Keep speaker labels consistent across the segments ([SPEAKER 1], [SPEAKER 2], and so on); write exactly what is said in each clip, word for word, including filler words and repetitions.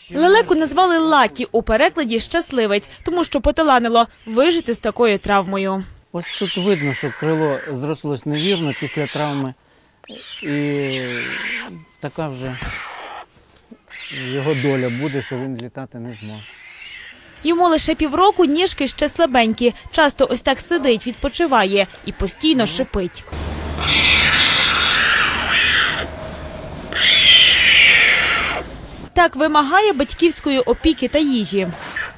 [SPEAKER 1] Лелеку назвали Лакі, у перекладі «щасливець», тому що поталанило вижити з такою травмою.
[SPEAKER 2] Ось тут видно, що крило зрослось невірно після травми, і така вже його доля буде, що він літати не зможе.
[SPEAKER 1] Йому лише півроку, ніжки ще слабенькі, часто ось так сидить, відпочиває і постійно шипить. Так вимагає батьківської опіки та їжі.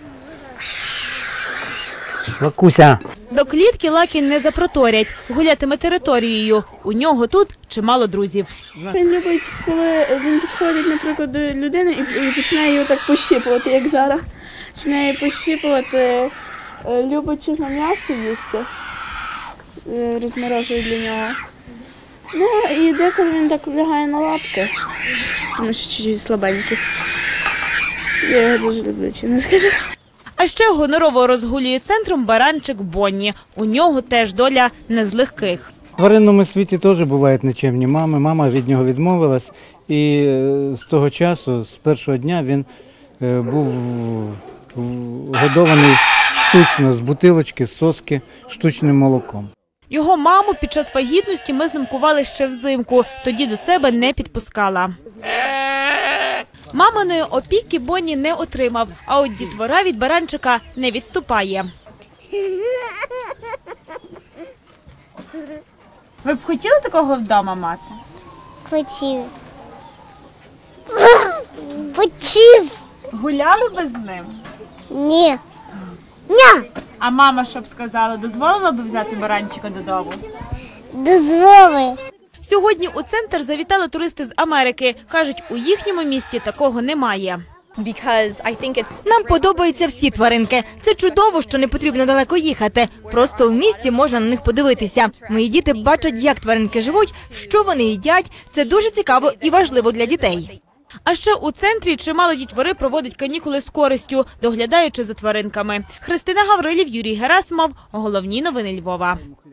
[SPEAKER 2] Лакуся!
[SPEAKER 1] До клітки Лакі не запроторять, гулятиме територією. У нього тут чимало друзів.
[SPEAKER 3] Він любить, коли він підходить, наприклад, до людини і починає її так пощипувати, як зараз. Починає пощипувати, любить чесно м'ясо їсти, розморожує для нього. Ну і деколи він так лягає на лапки, тому що чуть-чуть слабенький. Я його дуже люблю, чи не скажу.
[SPEAKER 1] А ще гонорово розгулює центром баранчик Бонні. У нього теж доля не з легких.
[SPEAKER 2] В тваринному світі теж бувають нечемні мами. Мама від нього відмовилась, і з того часу, з першого дня, він був годований штучно, з бутилочки, з соски, штучним молоком.
[SPEAKER 1] Його маму під час вагітності ми знімкували ще взимку, тоді до себе не підпускала. Маминої опіки Бонні не отримав, а от дітвора від баранчика не відступає. Ви б хотіли такого вдома мати?
[SPEAKER 4] Хотів. Хотів.
[SPEAKER 1] Гуляли би з ним?
[SPEAKER 4] Ні. Ні.
[SPEAKER 1] А мама що б сказала, дозволила б взяти баранчика додому?
[SPEAKER 4] Дозволи.
[SPEAKER 1] Сьогодні у центр завітали туристи з Америки. Кажуть, у їхньому місті такого немає.
[SPEAKER 5] Нам подобаються всі тваринки. Це чудово, що не потрібно далеко їхати. Просто в місті можна на них подивитися. Мої діти бачать, як тваринки живуть, що вони їдять. Це дуже цікаво і важливо для дітей.
[SPEAKER 1] А ще у центрі чимало дітвори проводить канікули з користю, доглядаючи за тваринками. Христина Гаврилів, Юрій Герасимов. Головні новини Львова.